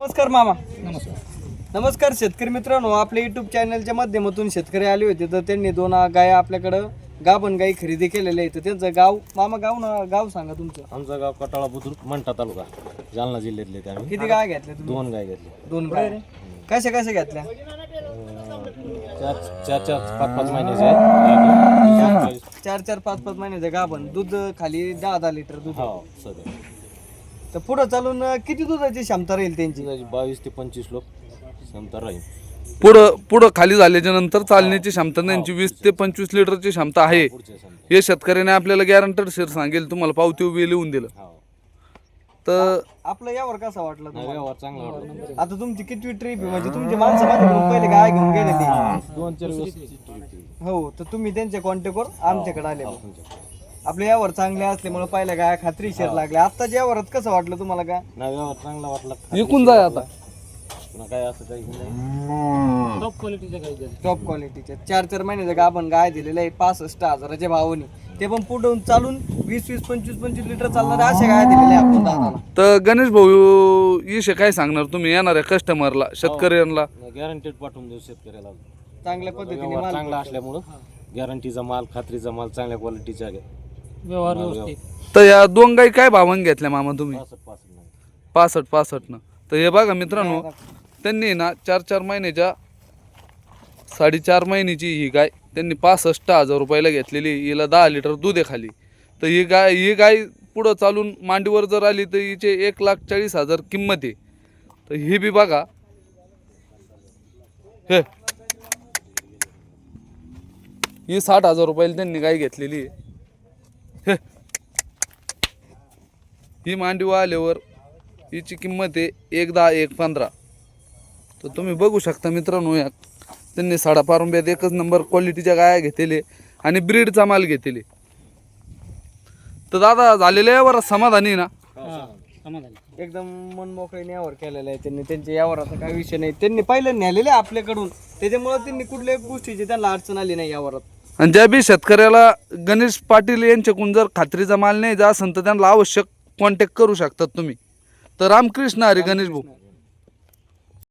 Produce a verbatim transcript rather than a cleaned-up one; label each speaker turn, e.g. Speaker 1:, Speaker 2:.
Speaker 1: नमस्कार मामा.
Speaker 2: नमस्कार.
Speaker 1: नमस्कार शेतकरी मित्रांनो, आपल्या यूट्यूब चॅनलच्या माध्यमातून शेतकरी आले होते तर त्यांनी दोन गाय आपल्याकडं गाभण गाई खरेदी केलेल्या आहेत. त्यांचं गाव मामा गाव ना गाव सांगा तुमचं.
Speaker 2: आमचं गाव कटाळा बुद्रुक मंठा तालुका जालना जिल्ह्यातले ते आम्ही.
Speaker 1: किती गाय घेतल्या तुम्ही?
Speaker 2: दोन गाय घेतले.
Speaker 1: दोन गाय कशा कशा घेतल्या?
Speaker 2: चार चार चार पाच पाच महिन्याचे आहेत.
Speaker 1: चार चार पाच पाच महिन्याचं गाभण, दूध खाली दहा दहा लिटर दूध.
Speaker 2: हो सध्या
Speaker 1: तर पुढं चालून किती दुधाची क्षमता राहील त्यांची?
Speaker 2: बावीस ते पंचवीस लोक क्षमता राहील.
Speaker 3: पुढं पुढं खाली झाल्याच्या नंतर चालण्याची क्षमता त्यांची वीस ते पंचवीस लिटरची क्षमता आहे. हे शेतकऱ्याने आपल्याला गॅरंटेड शेअर सांगेल, तुम्हाला पावती उभी लिहून दिलं तर.
Speaker 1: आपलं यावर कसा वाटलं तुम्हाला?
Speaker 2: व्यवहार चांगला वाटला.
Speaker 1: आता तुमची किती ट्रिप आहे? म्हणजे तुमची माणसं माझ्याकडून पहिले गाय घेऊन गेलेली.
Speaker 2: दोन चार दिवस
Speaker 1: हो, तर तुम्ही त्यांच्या कॉन्टॅक्टवर आमच्याकडे आले. आपल्या यावर चांगले असल्यामुळे पहिल्या गाय खात्रीशीर लागल्या. आत्ताच्या यावरात कसं वाटलं तुम्हाला? का
Speaker 2: नाही व्यवहार चांगला वाटला.
Speaker 3: विकून जाय आता.
Speaker 2: पुन्हा काय असं काही नाही. टॉप क्वालिटीच्या गाय
Speaker 1: टॉप क्वालिटीच्या चार चार महिन्याचं गाभण गाय दिलेलं आहे पासष्ट हजाराच्या भावाने. ते पण पुढून चालून वीस वीस पंचवीस पंचवीस लिटर चालणाऱ्या अशा गाय दिलेल्या आपण दादाला.
Speaker 3: तर गणेश भाऊ इशे काय सांगणार तुम्ही येणाऱ्या कस्टमरला, शेतकऱ्यांना?
Speaker 2: गॅरंटेड पाठवून देऊ शेतकऱ्याला.
Speaker 1: चांगल्या पद्धतीने
Speaker 2: व्यवहार
Speaker 1: माल
Speaker 2: चांगला असल्यामुळं गॅरंटीचा माल, खात्रीचा माल, चांगल्या क्वालिटीचा व्यवहार व्यवस्थित.
Speaker 3: तर या दोन गाई काय भावाने घेतल्या मामा तुम्ही?
Speaker 2: पासष्ट पासष्ट नाही.
Speaker 3: पासष्ट पासष्ट न. तर हे बघा मित्रांनो, त्यांनी ना चार चार महिन्याच्या साडेचार महिन्याची ही गाय त्यांनी पासष्ट हजार रुपयाला घेतलेली. हिला दहा लिटर दूध आहे खाली. तर ही गाय ही गाय पुढं चालून मांडीवर जर आली तर हिचे एक लाख चाळीस हजार किंमत आहे. तर ही बी बघा, हे ही साठ हजार रुपयाला त्यांनी गाय घेतलेली आहे. ही मांडीवर आल्यावर हिची किंमत आहे एक दहा एक पंधरा. तर तुम्ही बघू शकता मित्रांनो, या त्यांनी साडापारुंब्यात एकच नंबर क्वालिटीच्या गाया घेतले आणि ब्रीडचा माल घेतले. तर दादा झालेल्या यावर समाधानी ना?
Speaker 1: एकदम मन मोकळीने यावर केलेलं आहे त्यांनी. त्यांच्या यावराचा काही विषय नाही. त्यांनी पहिलं नेलेलं आहे आपल्याकडून, त्याच्यामुळे त्यांनी कुठल्याही गोष्टीची त्यांना अडचण आली नाही यावरात.
Speaker 3: आणि ज्या बी शेतकऱ्याला गणेश पाटील यांच्याकडून जर खात्रीचा माल नाही जा असेल तर त्यांना आवश्यक कॉन्टॅक्ट करू शकतात तुम्ही. तर रामकृष्ण हरी गणेश भाऊ.